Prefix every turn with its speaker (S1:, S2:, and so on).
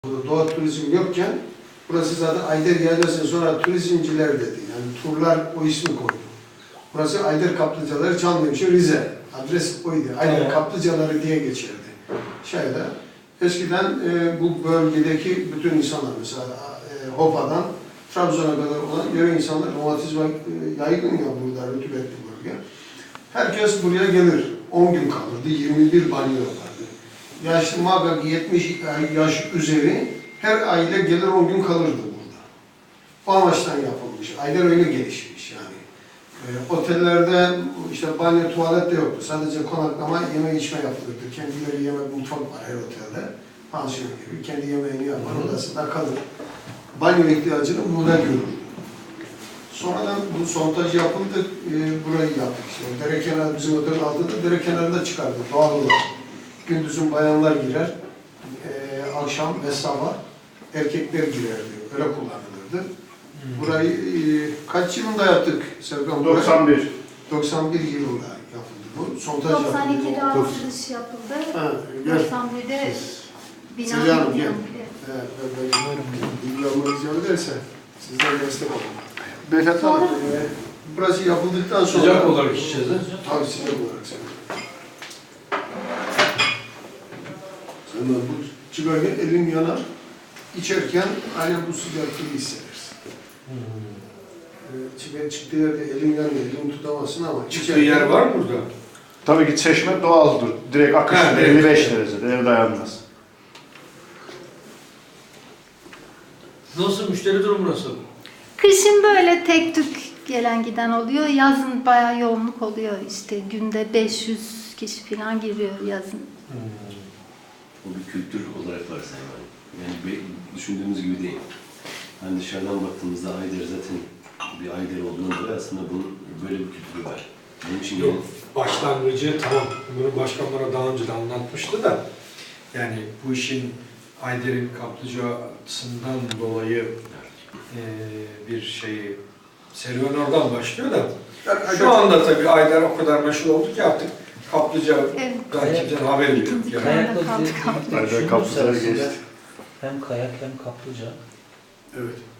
S1: Doğa turizmi yokken burası zaten Ayder Yaylası'nın sonra turizmciler dedi. Yani turlar o ismi koydu. Burası Ayder Kaplıcaları Çamlıhemşin Rize. Adres oydu. Ayder Kaplıcaları diye geçerdi. Şeyde eskiden bu bölgedeki bütün insanlar mesela Hopa'dan Trabzon'a kadar olan yöre insanlar romatizma yaygın ya burada rütubetli bölge. Herkes buraya gelir. 10 gün kalırdı. 21 banyo yapardı. Yaşlı muhakkak 70 yaş üzeri her aile gelir 10 gün kalırdı burada. O amaçtan yapılmış. Aylar öyle gelişmiş yani. Otellerde işte banyo, tuvalet de yoktu. Sadece konaklama, yeme içme yapılırdı. Kendileri yemek, mutfak var her otelde. Pansiyon gibi. Kendi yemeğini yapar, odasında kalır. Banyo ihtiyacını burada görür. Sonradan bu sondaj yapıldı, burayı yaptık işte. Dere kenarı, bizim otelin altında dere kenarında çıkardı doğal olarak. Gündüzün bayanlar girer, akşam ve sabah erkekler girerdi, öyle kullanılırdı. Burayı kaç yılında yaptık Serkan?
S2: 91.
S1: 91 yılında yapıldı bu. Sondaj
S3: 92'de açılış yapıldı.
S1: Ha,
S3: 91'de bina
S1: Silahım gel.
S3: yapıldı.
S1: Bilgilenme rica ederse sizden destek olun. Beyefendi, burası yapıldıktan sonra...
S4: Sıcak olarak içeceğiz ha?
S1: Tabii sıcak olarak sen. Sen de bu çıkarken elin yanar, içerken aynen bu sıcaklığı hissedersin. Çıktığı yerde elin yanıyor, elini tutamazsın ama...
S4: Çıktığı yer var mı burada?
S2: Tabii ki çeşme doğaldır. Direkt akışlı,
S4: Ha,
S2: 55 derecede, ev dayanmaz.
S4: Nasıl? Müşteri durumu nasıl?
S3: Kışın böyle tek tük gelen giden oluyor. Yazın bayağı yoğunluk oluyor. İşte günde 500 kişi falan giriyor yazın.
S5: O bir kültür olarak var sayın. Yani düşündüğümüz gibi değil. Hani dışarıdan baktığımızda Ayder zaten bir Ayder olduğundan dolayı aslında bunun böyle bir kültürü var. Bunun için
S4: Yok, başlangıcı tamam. Bunu başkan bana daha önce de anlatmıştı da yani bu işin Ayder'in kaplıcasından dolayı bir şeyi serüven oradan başlıyor da şu anda tabii Ayder o kadar meşhur oldu ki artık kaplıca
S3: Evet.
S4: daha kimsenin haberi yok.
S3: İkinci
S4: Yani.
S3: planda kaldık.
S2: Ayder kaplıcaları geçti.
S6: Hem kayak hem kaplıca.
S1: Evet.